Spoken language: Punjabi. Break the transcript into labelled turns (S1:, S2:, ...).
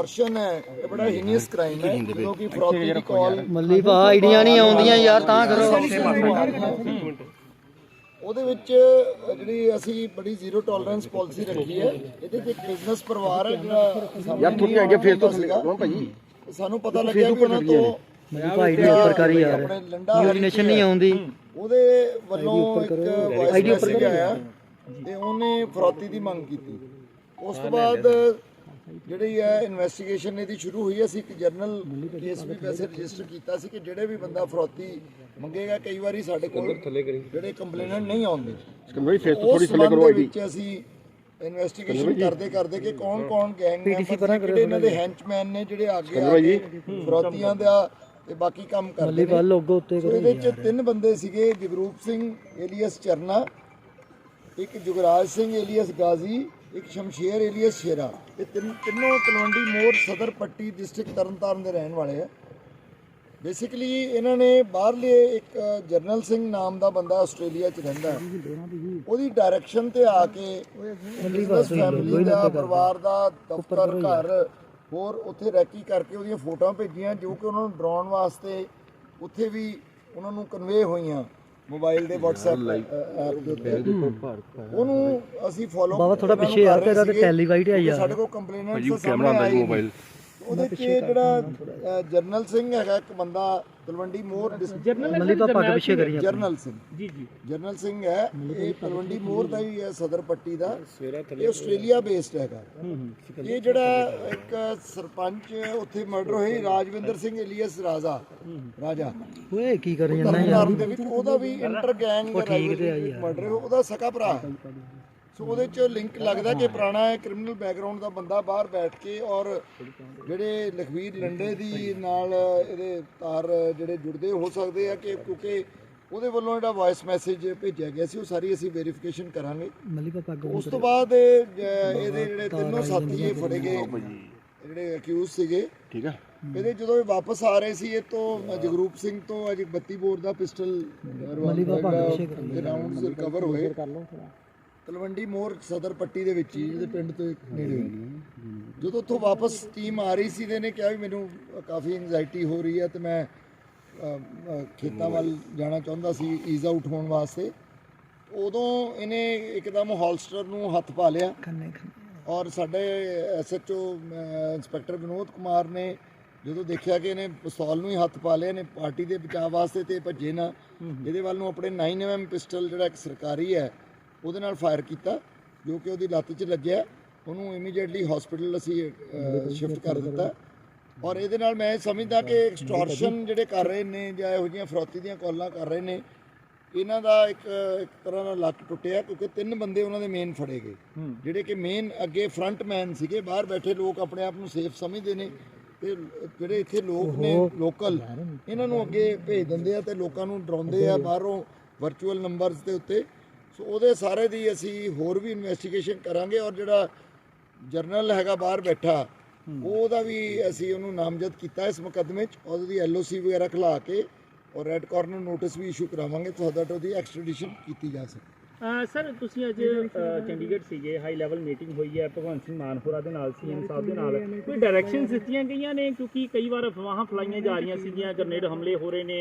S1: एक्सटॉर्शन है, ये बड़ा हीनियस क्राइम है क्योंकि फ्रॉडी की कॉल
S2: ਮੱਲੀ ਭਾ ਆਈਡੀਆਂ ਨਹੀਂ ਆਉਂਦੀਆਂ ਯਾਰ ਤਾਂ ਕਰੋ।
S1: ਉਹਦੇ ਵਿੱਚ ਜਿਹੜੀ ਅਸੀਂ ਬੜੀ ਜ਼ੀਰੋ ਟੋਲਰੈਂਸ ਪਾਲਿਸੀ ਰੱਖੀ ਹੈ। ਇਹਦੇ ਵਿੱਚ ਬਿਜ਼ਨਸ ਪਰਿਵਾਰ ਹੈ ਜਿਹੜਾ
S3: ਯਾਰ ਥੋੜੀ ਅੱਗੇ ਫੇਰ ਤੋਂ ਕੌਣ ਭਾਈ
S1: ਸਾਨੂੰ ਪਤਾ ਲੱਗਿਆ ਵੀ ਉਹਨਾਂ ਤੋਂ
S2: ਮੱਲੀ ਭਾ ਆਈਡੀ ਉੱਪਰ ਕਰੀ ਯਾਰ, ਯੂਰੀਨੇਸ਼ਨ ਨਹੀਂ ਆਉਂਦੀ।
S1: ਉਹਦੇ ਵੱਲੋਂ ਇੱਕ ਵਾਇਸ ਮੈਸੇਜ ਆਇਆ ਤੇ ਉਹਨੇ ਫਰੌਤੀ ਦੀ ਮੰਗ ਕੀਤੀ। ਉਸ ਤੋਂ ਬਾਅਦ ਜਿਹੜੀ ਹੈ ਇਨਵੈਸਟੀਗੇਸ਼ਨ ਇਹਦੀ ਸ਼ੁਰੂ ਹੋਈ। ਅਸੀਂ ਇੱਕ ਜਰਨਲ ਕੇਸ ਵੀ ਵੈਸੇ ਰਜਿਸਟਰ ਕੀਤਾ ਸੀ ਕਿ ਜਿਹੜੇ ਵੀ ਬੰਦਾ ਫਰੌਤੀ ਮੰਗੇਗਾ, ਕਈ ਵਾਰੀ ਸਾਡੇ ਕੋਲ ਜਿਹੜੇ ਕੰਪਲੇਨੈਂਟ ਨਹੀਂ ਆਉਂਦੇ, ਥੋੜੀ ਥੱਲੇ ਕਰੋ ਆਈਡੀ ਵਿੱਚ ਅਸੀਂ ਇਨਵੈਸਟੀਗੇਸ਼ਨ ਕਰਦੇ ਕਿ ਕੌਣ ਗੈਂਗ ਮੈਂਬਰ ਜਿਹੜੇ ਇਹਨਾਂ ਦੇ ਹੈਂਚਮੈਨ ਨੇ ਜਿਹੜੇ ਅੱਗੇ ਆ ਕੇ ਫਰੌਤੀਆਂ ਦਾ ਤੇ ਬਾਕੀ ਕੰਮ ਕਰਦੇ ਨੇ।
S2: ਲੋਗੋ ਉੱਤੇ
S1: ਇਹਦੇ ਵਿੱਚ 3 ਬੰਦੇ ਸੀਗੇ, ਜਗਰੂਪ ਸਿੰਘ ਏਲੀਅਸ ਚਰਨਾ, ਇੱਕ ਜੁਗਰਾਜ ਸਿੰਘ ਏਲੀਅਸ ਗਾਜ਼ੀ, ਇੱਕ ਸ਼ਮਸ਼ੇਰ ਏਲੀਅਸ ਸ਼ੇਰਾ। ਇਹ ਤਿੰਨੋਂ ਤਲਵੰਡੀ ਮੋੜ ਸਦਰ ਪੱਟੀ ਡਿਸਟ੍ਰਿਕਟ ਤਰਨਤਾਰਨ ਦੇ ਰਹਿਣ ਵਾਲੇ ਆ। ਬੇਸਿਕਲੀ ਇਹਨਾਂ ਨੇ ਬਾਹਰਲੇ ਇੱਕ ਜਰਨਲ ਸਿੰਘ ਨਾਮ ਦਾ ਬੰਦਾ ਆਸਟ੍ਰੇਲੀਆ 'ਚ ਰਹਿੰਦਾ ਹੈ, ਉਹਦੀ ਡਾਇਰੈਕਸ਼ਨ ਤੇ ਆ ਕੇ ਬਿਜ਼ਨਸ ਫੈਮਿਲੀ ਦਾ, ਪਰਿਵਾਰ ਦਾ ਦਫ਼ਤਰ, ਘਰ ਹੋਰ ਉੱਥੇ ਰੈਕੀ ਕਰਕੇ ਉਹਦੀਆਂ ਫੋਟੋਆਂ ਭੇਜੀਆਂ ਜੋ ਕਿ ਉਹਨਾਂ ਨੂੰ ਡਰਾਉਣ ਵਾਸਤੇ ਉੱਥੇ ਵੀ ਉਹਨਾਂ ਨੂੰ ਕਨਵੇ ਹੋਈਆਂ ਮੋਬਾਈਲ ਦੇ WhatsApp ਐਪ ਦੇ ਉੱਤੇ। ਉਹਨੂੰ ਅਸੀਂ ਫੋਲੋ
S2: ਬਾਬਾ ਥੋੜਾ ਪਿੱਛੇ ਯਾਰ, ਤੇਰਾ ਤੇ ਟੈਲੀਵਾਈਟ ਹੈ ਯਾਰ।
S1: ਸਾਡੇ ਕੋਲ ਕੰਪਲੇਨੈਂਟ ਸਾਹਮਣੇ ਆਈ ਮੋਬਾਈਲ। ਉਹਦੇ 'ਚ ਜਿਹੜਾ ਜਰਨਲ ਸਿੰਘ ਹੈਗਾ ਇੱਕ ਬੰਦਾ ਤਲਵੰਡੀ ਮੋਰ
S2: ਮੱਲੀ ਭਾ ਪੱਗ ਪਿੱਛੇ ਕਰੀ
S1: ਜਰਨਲ ਸਿੰਘ ਜਰਨਲ ਸਿੰਘ ਹੈ, ਇਹ ਤਲਵੰਡੀ ਮੋਰ ਦਾ ਹੀ ਹੈ, ਸਦਰ ਪੱਟੀ ਦਾ। ਇਹ ਆਸਟ੍ਰੇਲੀਆ ਬੇਸਡ ਹੈਗਾ। ਇਹ ਜਿਹੜਾ ਇੱਕ ਸਰਪੰਚ ਉੱਥੇ ਮਰਡਰ ਹੋਈ, ਰਾਜਵਿੰਦਰ ਸਿੰਘ ਏਲੀਅਸ ਰਾਜਾ
S2: ਓਏ ਕੀ ਕਰੀ ਜਾਂਦਾ ਯਾਰ
S1: ਦੇ ਵਿੱਚ, ਉਹਦਾ ਵੀ ਇੰਟਰ ਗੈਂਗ ਮਰਡਰ, ਉਹਦਾ ਸਕਾ ਭਰਾ ਹੈ। ਸੋ ਉਹਦੇ 'ਚ ਲਿੰਕ ਲੱਗਦਾ ਕਿ ਪੁਰਾਣਾ ਕ੍ਰਿਮੀਨਲ ਬੈਕਗਰਾਉਂਡ ਦਾ ਬੰਦਾ ਬਾਹਰ ਬੈਠ ਕੇ, ਔਰ ਜਿਹੜੇ ਲਖਵੀਰ ਲੰਡੇ ਦੀ ਨਾਲ ਇਹਦੇ ਤਾਰ ਜਿਹੜੇ ਜੁੜਦੇ ਹੋ ਸਕਦੇ ਆ ਕਿ ਕਿਉਂਕਿ ਉਹਦੇ ਵੱਲੋਂ ਜਿਹੜਾ ਵਾਇਸ ਮੈਸੇਜ ਭੇਜਿਆ ਗਿਆ ਸੀ ਉਹ ਸਾਰੀ ਅਸੀਂ ਵੈਰੀਫਿਕੇਸ਼ਨ ਕਰਾਂਗੇ। ਉਸ ਤੋਂ ਬਾਅਦ ਇਹਦੇ ਜਿਹੜੇ ਤਿੰਨੋਂ ਸਾਥੀ ਇਹ ਫੜੇ ਗਏ ਜਿਹੜੇ ਅਕਿਊਜ਼ ਸੀਗੇ, ਠੀਕ ਹੈ। ਇਹਦੇ ਜਦੋਂ ਇਹ ਵਾਪਸ ਆ ਰਹੇ ਸੀ, ਇਹ ਤੋਂ ਜਗਰੂਪ ਸਿੰਘ ਤੋਂ ਅੱਜ 32 ਬੋਰ ਦਾ ਪਿਸਟਲ ਰਾਉਂਡਸ ਰਿਕਵਰ ਹੋਏ ਤਲਵੰਡੀ ਮੋਰ ਸਦਰ ਪੱਟੀ ਦੇ ਵਿੱਚ ਹੀ, ਇਹਦੇ ਪਿੰਡ ਤੋਂ ਨੇੜੇ। ਜਦੋਂ ਉੱਥੋਂ ਵਾਪਸ ਟੀਮ ਆ ਰਹੀ ਸੀ, ਇਹਨੇ ਕਿਹਾ ਵੀ ਮੈਨੂੰ ਕਾਫੀ ਐਂਜ਼ਾਈਟੀ ਹੋ ਰਹੀ ਹੈ ਤੇ ਮੈਂ ਖੇਤਾਂ ਵੱਲ ਜਾਣਾ ਚਾਹੁੰਦਾ ਸੀ ਈਜ਼ ਆਊਟ ਹੋਣ ਵਾਸਤੇ। ਉਦੋਂ ਇਹਨੇ ਇੱਕਦਮ ਹੋਲਸਟਰ ਨੂੰ ਹੱਥ ਪਾ ਲਿਆ ਔਰ ਸਾਡੇ SHO ਇੰਸਪੈਕਟਰ ਵਿਨੋਦ ਕੁਮਾਰ ਨੇ ਜਦੋਂ ਦੇਖਿਆ ਕਿ ਇਹਨੇ ਪਿਸਤੌਲ ਨੂੰ ਹੀ ਹੱਥ ਪਾ ਲਿਆ, ਇਹਨੇ ਪਾਰਟੀ ਦੇ ਬਚਾਅ ਵਾਸਤੇ ਤੇ ਭੱਜੇ ਨਾ, ਇਹਦੇ ਵੱਲ ਨੂੰ ਆਪਣੇ 9mm ਪਿਸਟਲ ਜਿਹੜਾ ਇੱਕ ਸਰਕਾਰੀ ਹੈ ਉਹਦੇ ਨਾਲ ਫਾਇਰ ਕੀਤਾ ਜੋ ਕਿ ਉਹਦੀ ਲੱਤ 'ਚ ਲੱਗਿਆ। ਉਹਨੂੰ ਇਮੀਡੀਏਟਲੀ ਹਸਪੀਟਲ ਅਸੀਂ ਸ਼ਿਫਟ ਕਰ ਦਿੱਤਾ। ਔਰ ਇਹਦੇ ਨਾਲ ਮੈਂ ਸਮਝਦਾ ਕਿ ਐਕਸਟੋਰਸ਼ਨ ਜਿਹੜੇ ਕਰ ਰਹੇ ਨੇ ਜਾਂ ਇਹੋ ਜਿਹੀਆਂ ਫਰੌਤੀ ਦੀਆਂ ਕਾਲਾਂ ਕਰ ਰਹੇ ਨੇ, ਇਹਨਾਂ ਦਾ ਇੱਕ ਤਰ੍ਹਾਂ ਦਾ ਲੱਕ ਟੁੱਟਿਆ ਕਿਉਂਕਿ 3 ਬੰਦੇ ਉਹਨਾਂ ਦੇ ਮੇਨ ਫੜੇ ਗਏ ਜਿਹੜੇ ਕਿ ਮੇਨ ਅੱਗੇ ਫਰੰਟ ਮੈਨ ਸੀਗੇ। ਬਾਹਰ ਬੈਠੇ ਲੋਕ ਆਪਣੇ ਆਪ ਨੂੰ ਸੇਫ ਸਮਝਦੇ ਨੇ ਤੇ ਜਿਹੜੇ ਇੱਥੇ ਲੋਕ ਨੇ ਲੋਕਲ, ਇਹਨਾਂ ਨੂੰ ਅੱਗੇ ਭੇਜ ਦਿੰਦੇ ਆ ਤੇ ਲੋਕਾਂ ਨੂੰ ਡਰਾਉਂਦੇ ਆ ਬਾਹਰੋਂ ਵਰਚੁਅਲ ਨੰਬਰਸ ਦੇ ਉੱਤੇ। ਸੋ ਉਹਦੇ ਸਾਰੇ ਦੀ ਅਸੀਂ ਹੋਰ ਵੀ ਇਨਵੈਸਟੀਗੇਸ਼ਨ ਕਰਾਂਗੇ। ਔਰ ਜਿਹੜਾ ਜਰਨਲ ਹੈਗਾ ਬਾਹਰ ਬੈਠਾ, ਉਹਦਾ ਵੀ ਅਸੀਂ ਉਹਨੂੰ ਨਾਮਜ਼ਦ ਕੀਤਾ ਇਸ ਮੁਕੱਦਮੇ 'ਚ। ਉਹਦੀ LOC ਵਗੈਰਾ ਖਿਲਾ ਕੇ ਔਰ ਰੈੱਡ ਕਾਰਨਰ ਨੋਟਿਸ ਵੀ ਇਸ਼ੂ ਕਰਾਵਾਂਗੇ ਸੋ ਦੈਟ ਉਹਦੀ ਐਕਸਟ੍ਰੈਡੀਸ਼ਨ ਕੀਤੀ ਜਾ ਸਕੇ।
S4: ਸਰ ਤੁਸੀਂ ਅੱਜ ਚੰਡੀਗੜ੍ਹ ਸੀਗੇ, ਹਾਈ ਲੈਵਲ ਮੀਟਿੰਗ ਹੋਈ ਹੈ ਭਗਵੰਤ ਸਿੰਘ ਮਾਨ ਹੋਰਾਂ ਦੇ ਨਾਲ, CM ਸਾਹਿਬ ਦੇ ਨਾਲ, ਕੋਈ ਡਾਇਰੈਕਸ਼ਨਸ ਦਿੱਤੀਆਂ ਗਈਆਂ ਨੇ? ਕਿਉਂਕਿ ਕਈ ਵਾਰ ਅਫਵਾਹਾਂ ਫੈਲਾਈਆਂ ਜਾ ਰਹੀਆਂ ਸੀਗੀਆਂ, ਗ੍ਰਨੇਡ ਹਮਲੇ ਹੋ ਰਹੇ ਨੇ,